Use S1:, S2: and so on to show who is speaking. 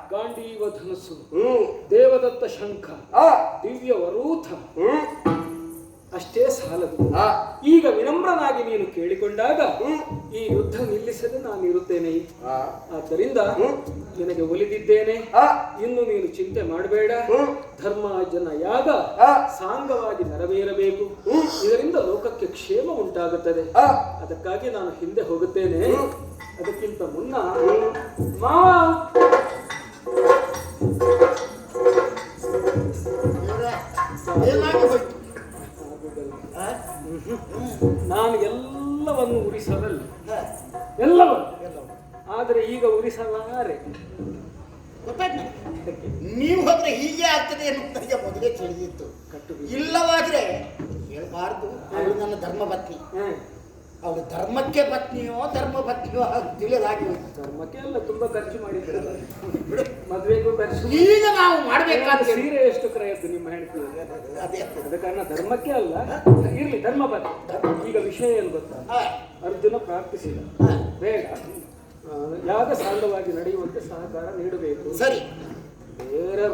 S1: ಗಾಂಡೀವ ಧನಸ್ಸು, ದೇವದತ್ತ ಶಂಖ, ದಿವ್ಯ ವರೂಥ ಅಷ್ಟೇ ಸಾಲದು. ಈಗ ವಿನಮ್ರನಾಗಿ ನೀನು ಕೇಳಿಕೊಂಡಾಗ ಈ ಯುದ್ಧ ನಿಲ್ಲಿಸದೆ ನಾನು ಇರುತ್ತೇನೆ. ಆದ್ದರಿಂದ ನಿನಗೆ ಒಲಿದಿದ್ದೇನೆ. ಇನ್ನು ನೀನು ಚಿಂತೆ ಮಾಡಬೇಡ. ಧರ್ಮ ಜನ ಯಾಗ ಸಾಂಗವಾಗಿ ನೆರವೇರಬೇಕು. ಇದರಿಂದ ಲೋಕಕ್ಕೆ ಕ್ಷೇಮ ಉಂಟಾಗುತ್ತದೆ. ಅದಕ್ಕಾಗಿ ನಾನು ಹಿಂದೆ ಹೋಗುತ್ತೇನೆ. ಅದಕ್ಕಿಂತ ಮುನ್ನ ನಾನು ಎಲ್ಲವನ್ನು ಉರಿಸಬಲ್ಲ, ಎಲ್ಲವನ್ನು. ಆದರೆ ಈಗ ಉರಿಸಲಾರೆ.
S2: ನೀವು ಹೋದ್ರೆ ಹೀಗೆ ಆಗ್ತದೆ ಅನ್ನೋದಕ್ಕೆ ಮೊದಲೇ ತಿಳಿದಿತ್ತು. ಇಲ್ಲವಾದ್ರೆ ಹೇಳ್ಬಾರ್ದು. ಅವಳು ನನ್ನ ಧರ್ಮಪತ್ನಿ. ಅವಳು ಧರ್ಮಕ್ಕೆ ಪತ್ನಿಯೋ ಧರ್ಮ ಪತ್ನಿಯೋ ತಿಳಿಯಲಾಗಿ ಹೋಯ್ತು.
S1: ಧರ್ಮಕ್ಕೆ ಎಲ್ಲ ತುಂಬಾ ಖರ್ಚು ಮಾಡಿದ್ರು, ಮದುವೆಗೂ ಖರ್ಚು.
S2: ಈಗ ನಾವು ಮಾಡ್ಬೇಕಾದ
S1: ಸೀರೆ ಎಷ್ಟು ಕ್ರಯದ್ದು ನಿಮ್ಮ ಹೆಂಡತಿ?
S2: ಅದೇ
S1: ಅದ ಕಾರಣ ಧರ್ಮಕ್ಕೆ ಅಲ್ಲ, ಇರ್ಲಿ ಧರ್ಮ ಪತ್ನಿ. ಈಗ ವಿಷಯ ಏನು ಗೊತ್ತಾ? ಅರ್ಜುನ ಪ್ರಾರ್ಥಿಸಿದ, ಬೇಡ ಯಾಗ ಸಾಂಗವಾಗಿ ನಡೆಯುವಂತೆ ಸಹಕಾರ ನೀಡಬೇಕು.
S2: ಸರಿ,
S1: ಬೇರೆ